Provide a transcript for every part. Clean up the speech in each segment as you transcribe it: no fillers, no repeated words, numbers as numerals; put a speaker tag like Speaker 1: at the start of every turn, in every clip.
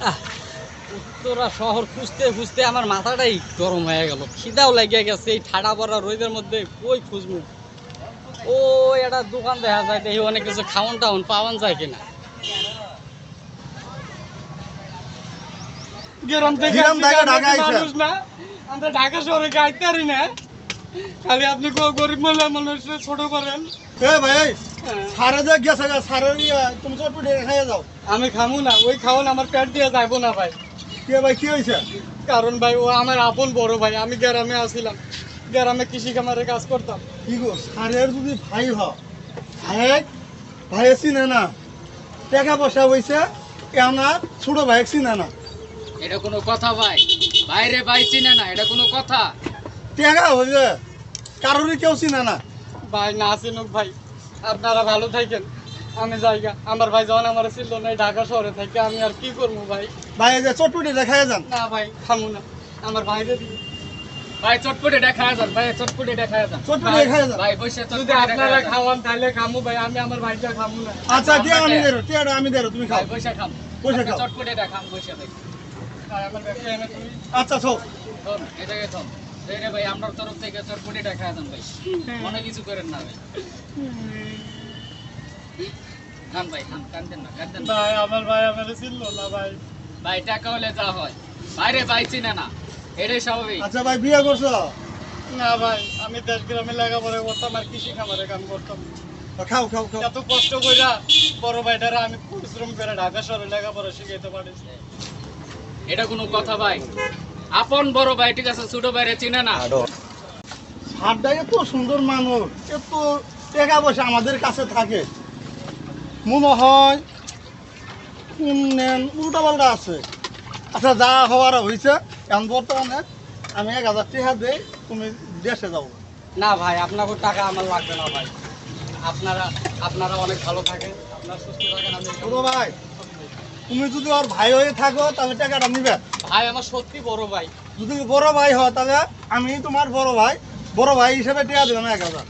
Speaker 1: উত্তরা শহর খুঁজতে খুঁজতে আমার মাথাটাই গরম হয়ে গেল, খিদাও লেগে গেছে। এই ঠাডা পড়া রোদের মধ্যে কই খুঁজবো? ও একটা দোকান দেখা যায়, দেখি অনেক কিছু খাওয়ান টাউন পাওয়ান যায় কিনা। গ্রাম থেকে মানুষ না, আমরা ঢাকা শহরে গাইতে পারি না, খালি আপনি গরিব মহিলা মানুষ ছোট করেন।
Speaker 2: তুমি চটপটি খাইয়ে যাও।
Speaker 1: আমি খামু না, ওই খাওয়ান আমার পেট দিয়ে যাইবো না ভাই।
Speaker 2: কে ভাই কি হয়েছে?
Speaker 1: কারণ ভাই ও আমার আপন বড় ভাই, আমি গ্রামে আসছিলাম, গ্রামে কৃষি খামারে কাজ করতাম।
Speaker 2: কি গো, সারের যদি ভাই ভাই চিনে না, টাকা পয়সা হয়েছে আমার ছোট ভাই চিনে না।
Speaker 1: এটা কোনো কথা ভাই? বাইরে ভাই চিনে না, এটা কোনো কথা?
Speaker 2: টাকা হয়েছে কারোরই কেউ চিনে না।
Speaker 1: ভাই না চিনুক ভাই, আপনারা ভালো থাকেন, আমি জায়গা। আমার ভাই যখন আমার ছিল না ঢাকা শহরে থাকে, আমি আর কি করবো ভাই?
Speaker 2: ভাই যে চটপটি দেখাই যান।
Speaker 1: না ভাই খামু না, আমার ভাইরে দিই। ভাই চটপটি দেখা যান, ভাই চটপটি দেখা যান,
Speaker 2: চটপটি দেখাই যান।
Speaker 1: ভাই বসে যদি আপনারা খাওয়ান তাহলে খামু ভাই, আমি আমার ভাইটা খামু না।
Speaker 2: আচ্ছা টিয়া আমি দেরো তুমি খাও।
Speaker 1: ভাই বসে খাম,
Speaker 2: বসে খাও।
Speaker 1: চটপটি দেখাম বসে দেখি। আর আমার ব্যাপারে এনে তুমি
Speaker 2: আচ্ছা সব
Speaker 1: থম, এই জায়গায় থম। এই রে ভাই আমার তরফ থেকে চটপটি দেখা যান ভাই, মনে কিছু করেন না ভাই। খান ভাই খান, কাঁদেন না, কাঁদেন না ভাই। আমার ভাই আমার ছিল না ভাই। ভাই টাকা হলে যা হয়, বাইরে ভাই চিনে না, এটাই স্বাভাবিক।
Speaker 2: আচ্ছা ভাই বিয়ে করছো?
Speaker 1: না ভাই, আমি দেশ গ্রামে লেখাপড়া করতাম আর কৃষি খামারে কাম করতাম।
Speaker 2: খাও খাও খাও।
Speaker 1: এত কষ্ট কইরা বড় ভাইটারা আমি পরিশ্রম করে ঢাকা শহরে লেখাপড়া শিখাইতে পারিস। এটা কোনো কথা ভাই? আপন বড় ভাই ঠিক আছে, ছোট ভাইরে চিনে না।
Speaker 2: সারটা এত সুন্দর মানুষ, এত টাকা পয়সা আমাদের কাছে থাকে, মনে হয় উল্টা পাল্টা আছে। আচ্ছা যা হওয়ার হয়েছে, এখন বর্তমানে আমি 1000 টাকা দিই, তুমি দেশে যাও।
Speaker 1: না ভাই, আপনাকে টাকা আমার লাগবে না ভাই, আপনারা আপনারা অনেক ভালো থাকেন, আপনার সুস্থ থাকেন। আমি
Speaker 2: ছোট ভাই, তুমি যদি ওর ভাই হয়ে থাকো তাহলে টাকাটা নিবে।
Speaker 1: ভাই আমার সত্যি বড় ভাই।
Speaker 2: যদি বড় ভাই হয় তাহলে আমি তোমার বড় ভাই হিসেবে টাকা দেবেন 1000।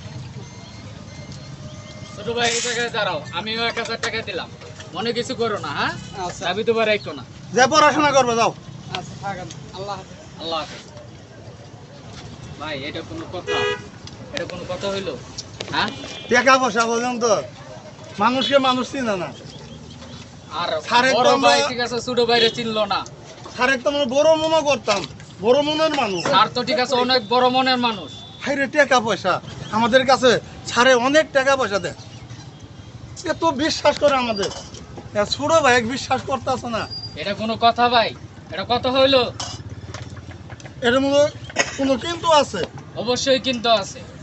Speaker 1: ছোট ভাই এই জায়গায় দাঁড়াও, আমিও 1000 টাকা দিলাম, মনে কিছু করো না। হ্যাঁ আচ্ছা, আমি তো রাখো না।
Speaker 2: যে পড়াশোনা করবে যাও।
Speaker 1: আচ্ছা থাকেন, আল্লাহ হাফেজ। আল্লাহ হাফেজ। ভাই এটা কোনো কথা? এটা কোনো কথা হইলো? হ্যাঁ
Speaker 2: টাকা পয়সা পর্যন্ত মানুষকে মানুষ চিনে না।
Speaker 1: আর
Speaker 2: সারেক
Speaker 1: বড়
Speaker 2: তো আমরা-
Speaker 1: ভাই ঠিক আছে, ছোট ভাইরে চিনলো না।
Speaker 2: সারেক তো আমরা বড় মনে করতাম, বড় মনের মানুষ।
Speaker 1: আর তো ঠিক আছে অনেক বড় মনের মানুষ।
Speaker 2: হাইরে টাকা পয়সা আমাদের কাছে ছাড়ে, অনেক টাকা পয়সা দেয়, এত বিশ্বাস করে আমাদের। ছোট ভাই বিশ্বাস করতেছে না।
Speaker 1: এটা কোনো কথা ভাই? এটা কথা হইলো?
Speaker 2: এর মধ্যে কোনো কিন্তু আছে।
Speaker 1: অবশ্যই কিন্তু আছে।